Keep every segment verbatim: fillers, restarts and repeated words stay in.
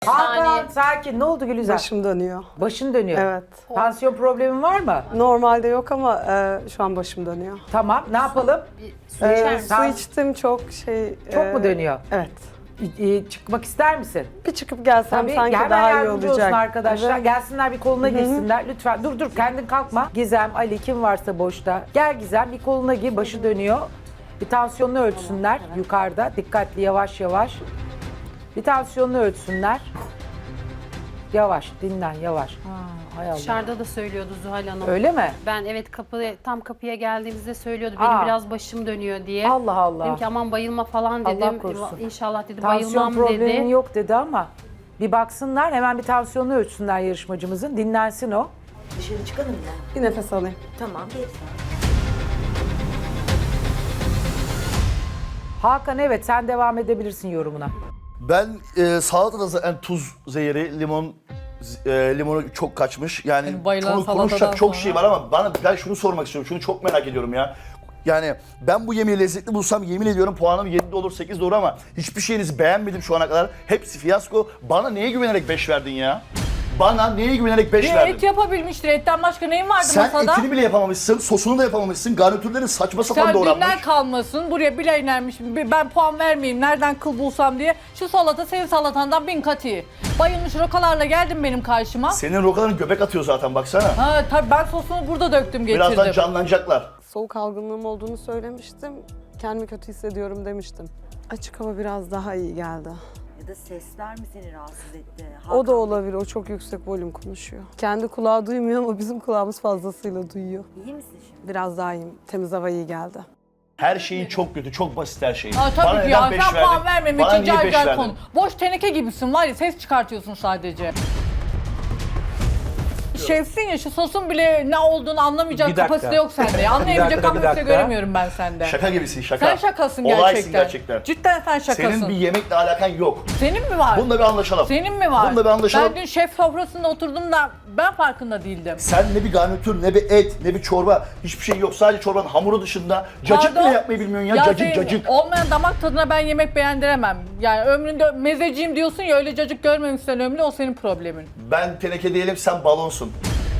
Hakan Yani- sakin. Ne oldu Gülizar? Başım dönüyor. Başın dönüyor. Evet. Tansiyon problemin var mı? Normalde yok ama e, şu an başım dönüyor. Tamam. Ne yapalım? Su içer E, misin? su içtim çok şey... Çok e, mu dönüyor? Evet. E, e, çıkmak ister misin? Bir çıkıp gelsem Tabii sanki hemen daha iyi yardımcı olacak. olsun arkadaşlar. Evet. Gelsinler bir koluna girsinler. Lütfen dur dur kendin kalkma. Gizem, Ali kim varsa boşta. Gel Gizem bir koluna gir. Başı dönüyor. Bir tansiyonunu ölçsünler yukarıda. Dikkatli yavaş yavaş. Bir tansiyonunu ölçsünler. Yavaş dinlen yavaş. Hay Allah. Dışarıda da söylüyordu Zuhal Hanım. Öyle mi? Ben evet kapı tam kapıya geldiğimizde söylüyordu benim Aa. biraz başım dönüyor diye. Allah Allah. Dedim ki aman bayılma falan Allah dedim. korusun. İnşallah dedi Tansiyon bayılmam problemin dedi. yok dedi ama bir baksınlar hemen bir tansiyonunu ölçsünler yarışmacımızın. Dinlensin o. Dışarı çıkalım mı? Bir nefes alayım. Tamam, geç. Hakan evet sen devam edebilirsin yorumuna. Ben e, salatada zaten tuz zehri, limon e, limonu çok kaçmış. Yani Yani bayılan konu- salatadan konuşacak çok sonra. şey var ama bana ben şunu sormak istiyorum. Şunu çok merak ediyorum ya. Yani ben bu yemeği lezzetli bulsam yemin ediyorum puanım yedi olur sekiz de olur ama hiçbir şeyinizi beğenmedim şu ana kadar. Hepsi fiyasko. Bana neye güvenerek beş verdin ya? Bana neye güvenerek beş Bir verdin? et yapabilmiştir. Etten başka neyin vardı Sen masada? etini bile yapamamışsın, sosunu da yapamamışsın, garnitürlerin saçma sapan Sen doğranmış. dünden kalmasın. Buraya bile inermiş. Ben puan vermeyeyim. Nereden kıl bulsam diye. Şu salata senin salatandan bin kat iyi. Bayılmış rokalarla geldin benim karşıma. Senin rokaların göbek atıyor zaten baksana. Ha tabii ben sosunu burada döktüm getirdim. Birazdan canlanacaklar. Soğuk algınlığım olduğunu söylemiştim. Kendimi kötü hissediyorum demiştim. Açık hava biraz daha iyi geldi. Ya da sesler mi seni rahatsız etti? O da olabilir. O çok yüksek volüm konuşuyor. Kendi kulağı duymuyor ama bizim kulağımız fazlasıyla duyuyor. İyi misin şimdi? Biraz daha iyiyim. Temiz hava iyi geldi. Her şeyin çok kötü, çok basit her şeyin. Ha Bana tabii ki neden ya beş sen verdin? puan vermemek Bana için niye car beş car verdin? konu. Boş teneke gibisin var ya ses çıkartıyorsun sadece. Şefsin ya şu sosun bile ne olduğunu anlamayacak Bir dakika. kapasite yok sende. ya. Anlayamayacak dakika, bir kapasite dakika. göremiyorum ben sende. Şaka gibisin şaka. Sen şakasın Olaysın gerçekten. gerçekten. Cidden sen şakasın. Senin bir yemekle alakan yok. Senin mi var? Bunda bir anlaşalım. Senin mi var? Bunda bir anlaşalım. Ben dün şef sofrasında oturdum da ben farkında değildim. Sen ne bir garnitür, ne bir et, ne bir çorba, hiçbir şey yok. Sadece çorbanın hamuru dışında cacık Pardon? bile yapmayı bilmiyorsun ya, cacık senin cacık. Olmayan damak tadına ben yemek beğendiremem. Yani ömründe mezeciyim diyorsun ya öyle cacık görmemişsen ömründe o senin problemin. Ben teneke değilim, sen balonsun.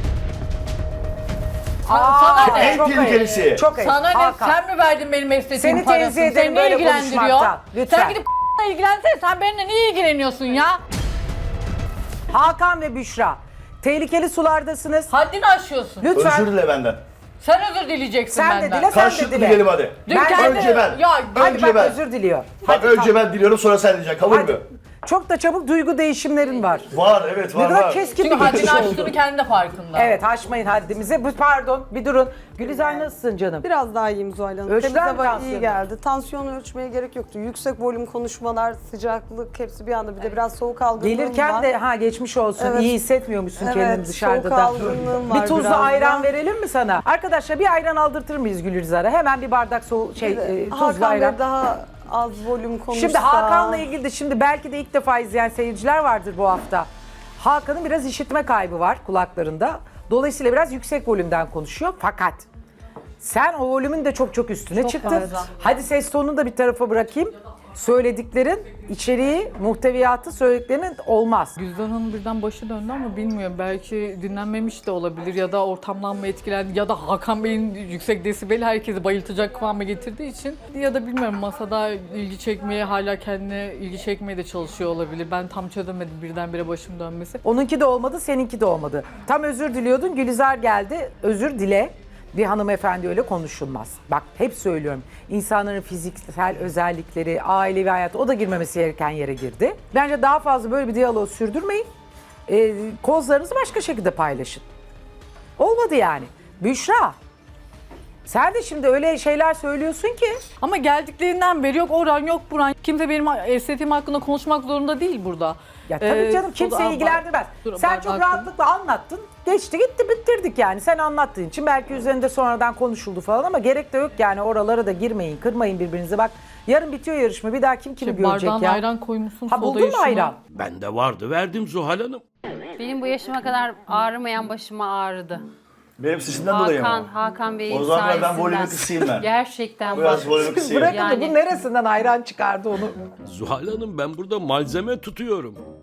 sana ne? En çok tehlikelisi. ayıp. Çok ayıp. Sana ne? Hakan. Sen mi verdin benim estetiğim Seni parasını? tenzih ederim Seni böyle ne ilgilendiriyor? konuşmaktan. Lütfen. Sen gidip ilgilensene. Sen benimle niye ilgileniyorsun ya? Hakan ve Büşra. Tehlikeli sulardasınız. Haddini aşıyorsun. Lütfen. Özür dile benden. Sen özür dileyeceksin Sen de benden. dile, sen de Karşılıklı dile. dilelim hadi. Dün Ben- kendi- Önce ben. Ya, Hadi Önce bak ben. özür diliyor. Bak Hadi, önce tamam. ben diliyorum sonra sen diyeceksin, kabul Hadi. mü? Çok da çabuk duygu değişimlerin var. Var, evet Ne var kadar var. keskin Çünkü bir geçiş haddini oldu. aştığını kendi de farkında. Evet aşmayın haddimizi. Bu- Pardon bir durun. Gülizar nasılsın canım? Biraz daha iyiyim Zuhal Hanım. Ölçtüler Temiz mi hava iyi tansiyonu? geldi. Tansiyonu ölçmeye gerek yoktu. Yüksek volüm konuşmalar, sıcaklık hepsi bir anda. Bir de biraz soğuk algınlığım Gelirken var. de ha geçmiş olsun. Evet. İyi hissetmiyormuşsun Evet, kendini dışarıda soğuk da. algınlığım Bir var tuzlu biraz da. ayran verelim mi sana? Arkadaşlar bir ayran aldırtır mıyız Gülizar'a? Hemen bir bardak soğuk şey e, tuzlu Hakan ayran. Bey daha az volüm konuşsa. Şimdi Hakan'la ilgili de şimdi belki de ilk defa izleyen seyirciler vardır bu hafta. Hakan'ın biraz işitme kaybı var kulaklarında. Dolayısıyla biraz yüksek volümden konuşuyor. Fakat sen o volümün de çok çok üstüne çıktın. fazla. Hadi ses tonunu da bir tarafa bırakayım. Söylediklerin, içeriği, muhteviyatı söylediklerinin olmaz. Güzdan Hanım birden başı döndü ama bilmiyorum. Belki dinlenmemiş de olabilir ya da ortamdan mı etkilendi ya da Hakan Bey'in yüksek desibeli herkesi bayıltacak kıvama getirdiği için ya da bilmiyorum masada ilgi çekmeye hala kendine ilgi çekmeye de çalışıyor olabilir. Ben tam çözemedim birdenbire başım dönmesi. Onunki de olmadı, seninki de olmadı. Tam özür diliyordun, Gülizar geldi. Özür dile. Bir hanımefendi öyle konuşulmaz. Bak hep söylüyorum. İnsanların fiziksel özellikleri, ailevi hayatı o da girmemesi gereken yere girdi. Bence daha fazla böyle bir diyaloğu sürdürmeyin. Ee, kozlarınızı başka şekilde paylaşın. Olmadı yani. Büşra. Sen de şimdi öyle şeyler söylüyorsun ki. Ama geldiklerinden beri yok oran yok buran. Kimse benim estetiğim hakkında konuşmak zorunda değil burada. Ya tabii Ee, canım o kimseyi da- ilgilendirmez. Dur, Sen ben- çok ben- rahatlıkla anlattın. Geçti gitti bitirdik yani. Sen anlattığın için belki üzerinde sonradan konuşuldu falan ama gerek de yok yani oralara da girmeyin, kırmayın birbirinize. Bak yarın bitiyor yarışma. Bir daha kim kimi İşte görecek bardağına ya? ayran koymuşsun. Ha soda buldun mu yaşına. ayran? Bende vardı, verdim Zuhal Hanım. Benim bu yaşıma kadar ağrımayan başıma ağrıdı. Benim sesimden dolayı Hakan, mı? Hakan Bey'in O zaman ben sayesinden. volümü kısayım ben. Gerçekten Biraz bak. volümü kısayım. Bırakın da Yani- bu neresinden ayran çıkardı onu. Zuhal Hanım ben burada malzeme tutuyorum.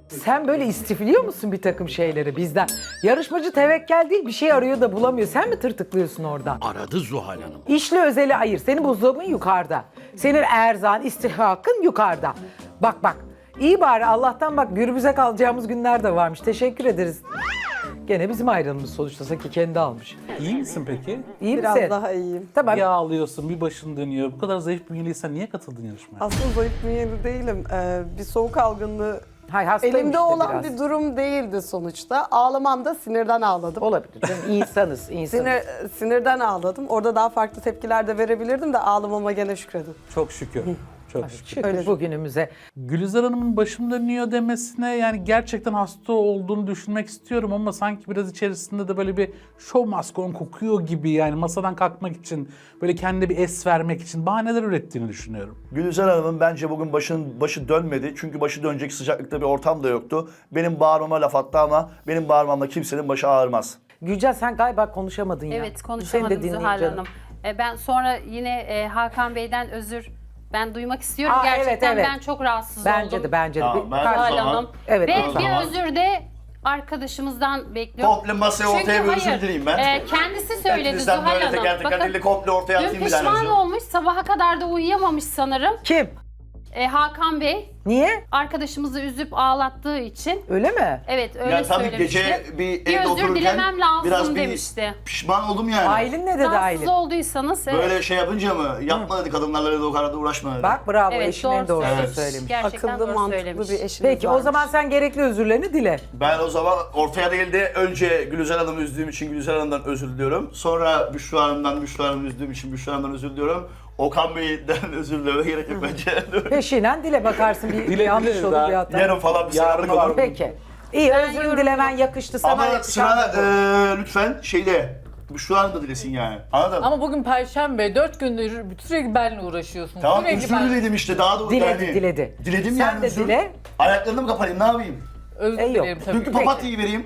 Sen böyle istifliyor musun bir takım şeyleri bizden? Yarışmacı tevekkel değil, bir şey arıyor da bulamıyor. Sen mi tırtıklıyorsun oradan? Aradı Zuhal Hanım. İşle özeli ayır. Senin buzdolabın yukarıda. Senin erzağın, istihkakın yukarıda. Bak bak. İyi bari Allah'tan bak gürbüze kalacağımız günler de varmış. Teşekkür ederiz. Gene bizim ayranımız sonuçta. Sanki kendi almış. İyi misin peki? İyi Biraz misin? daha iyiyim. Tamam. Yağ alıyorsun, bir başın dönüyor. Bu kadar zayıf bünyeliysen niye katıldın yarışmaya? Aslında zayıf bünyeli değilim. Ee, bir soğuk algınlığı Hay, hastayım elimde işte olan biraz. bir durum değildi sonuçta. Ağlamam da sinirden ağladım. Olabilir. Canım, insanız, insanız. Sinir, sinirden ağladım. Orada daha farklı tepkiler de verebilirdim de ağlamama gene şükredin. Çok şükür. Çok şükür. Şükür Öyle. bugünümüze. Gülizar Hanım'ın başım dönüyor demesine yani gerçekten hasta olduğunu düşünmek istiyorum ama sanki biraz içerisinde de böyle bir show maskon kokuyor gibi yani masadan kalkmak için böyle kendine bir es vermek için bahaneler ürettiğini düşünüyorum. Gülizar Hanım'ın bence bugün başının başı dönmedi. Çünkü başı dönecek sıcaklıkta bir ortam da yoktu. Benim bağırmama laf attı ama benim bağırmamla kimsenin başı ağrımaz. Gülcan sen galiba konuşamadın ya. Evet Seni de konuşamadım dinleyeyim Zuhal canım. Hanım. E, ben sonra yine e, Hakan Bey'den özür ben duymak istiyorum. Aa, evet, Gerçekten evet. ben çok rahatsız Bence oldum. de bence de. Tamam, Bir- ben- Kar- Zuhal Tamam. Hanım. Evet, Ve o zaman. bir özür de arkadaşımızdan bekliyorum. Komple masaya ortaya bir özür dileyim ben. e, kendisi söyledi Hepinizden Zuhal böyle Hanım. teker teker Bakın, dili komple ortaya dün atayım bir tane pişman özür. olmuş, sabaha kadar da uyuyamamış sanırım. Kim? E, Hakan Bey Niye? arkadaşımızı üzüp ağlattığı için. Öyle mi? Evet öyle Yani tabii söylemişti. gece bir bir evde özür otururken dilemem lazım biraz bir demişti. pişman oldum yani. Aylin ne dedi Rahatsız Aylin? olduysanız evet. Böyle şey yapınca mı? Yapma dedi kadınlarla dedi o kadar da uğraşma dedi. Bak bravo Evet, eşinin en doğru doğrusunu söylemiş. söylemiş. Gerçekten Akıllı, doğru mantıklı söylemiş. bir eşiniz Peki o varmış. zaman sen gerekli özürlerini dile. Ben o zaman ortaya değil de önce Gülizar Hanım'ı üzdüğüm için Gülizar Hanım'dan özür diliyorum. Sonra Büşra Hanım'dan Büşra Hanım'ı üzdüğüm için Büşra Hanım'dan özür diliyorum. Okan Bey'den özür dilemeye gerek yok bence. Peşinen dile bakarsın bir Dile, yanlış dile, olur daha- bir hata. Yarın falan bir Yarın selamlık var. olur. Peki. İyi Ben özür yorum- dilemen yakıştı sana. Ama yakışan sıra da bu. e, lütfen şeyde Büşra Hanım da dilesin yani. Anladın mı? Ama bugün Perşembe, dört gündür sürekli benimle uğraşıyorsun. Tamam sürekli özür ben- diledim işte daha da Diledi, yani. diledi. Diledim Sen yani de özür. dile. Ayaklarını mı kapatayım ne yapayım? Özür E, yok. dilerim tabii. Dünkü papatyayı vereyim.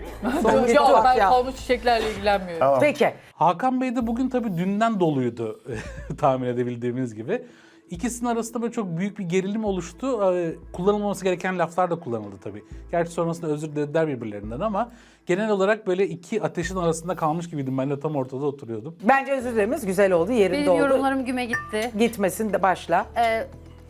Son Yok ben ya. kalmış çiçeklerle ilgilenmiyorum. Tamam. Peki. Hakan Bey de bugün tabii dünden doluydu tahmin edebildiğimiz gibi. İkisinin arasında böyle çok büyük bir gerilim oluştu. Ee, Kullanılmaması gereken laflar da kullanıldı tabii. Gerçi sonrasında özür dilediler birbirlerinden ama genel olarak böyle iki ateşin arasında kalmış gibiydim. Ben de tam ortada oturuyordum. Bence özür dilememiz güzel oldu, yerinde Benim oldu. yorumlarım güme gitti. Gitmesin de başla. Ee,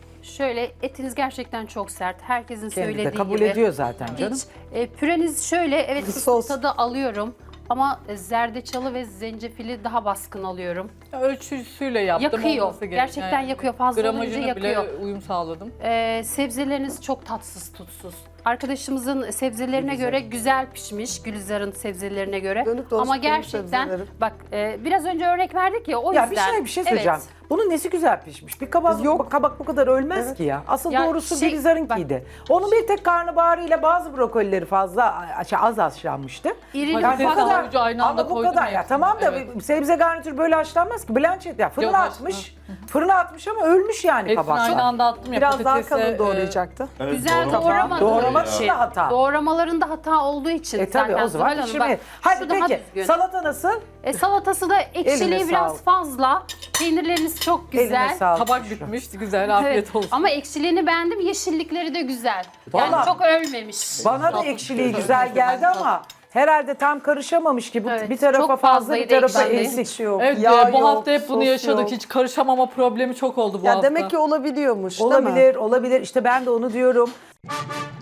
şöyle etiniz gerçekten çok sert. Herkesin Kendi de söylediği kabul gibi. ediyor zaten canım. Hiç. E, püreniz şöyle evet Bir sos sos. tadı alıyorum. Ama e, zerdeçalı ve zencefili daha baskın alıyorum. Ölçüsüyle yaptım. Yakıyor. olması gereken Gerçekten gibi. yakıyor. Fazla olunca Gramajına yakıyor. bile uyum sağladım. Ee, sebzeleriniz çok tatsız tutsuz. Arkadaşımızın sebzelerine göre güzel pişmiş, Gülizar'ın sebzelerine göre. Dönük dolaşık Ama benim gerçekten sebzelerim. bak e, biraz önce örnek verdik ya o Ya yüzden. bir şey bir şey Evet. söyleyeceğim. Bunun nesi güzel pişmiş? Bir kabak, Yok. kabak bu kadar ölmez ki ya. Asıl Ya doğrusu şey- Gülizar'ınkiydi. Onun bir tek karnabaharıyla bazı brokolileri fazla şey, az haşlanmıştı. İrili Yani Patates bu kadar, havucu aynı anda ama bu koydum kadar ya. hepsini, Tamam da evet. sebze garnitür böyle haşlanmaz ki. Blanchett ya fırına Yok, atmış. Fırına atmış ama ölmüş yani Hepsini kabak. aynı anda attım ya. Biraz daha patatese, kalın e, doğrayacaktı. Evet, Güzel doğru. doğramadı. Doğramak Ee, için de hata. Doğramalarında hata olduğu için E tabii zaten o zaman Zuhal Hanım, pişirmeyin. bak, Hadi şu daha peki düzgün. salata nasıl? E, salatası da Eline ekşiliği biraz sağlık. fazla. Peynirleriniz çok Eline güzel. sağlık. Tabak bitmiş. Güzel, afiyet Evet. olsun. Ama ekşiliğini beğendim. Yeşillikleri de güzel. Yani Vallahi- çok ölmemiş. Bana da ekşiliği güzel geldi ama herhalde tam karışamamış gibi. Evet, Bir tarafa çok fazla bir fazlaydı tarafa ekşiliği. eksik. Hiç yok. Evet yağ e, bu yok, hafta hep bunu sos yaşadık. yok. Hiç karışamama problemi çok oldu bu Ya hafta. demek ki olabiliyormuş değil mi? Olabilir, olabilir. İşte ben de onu diyorum.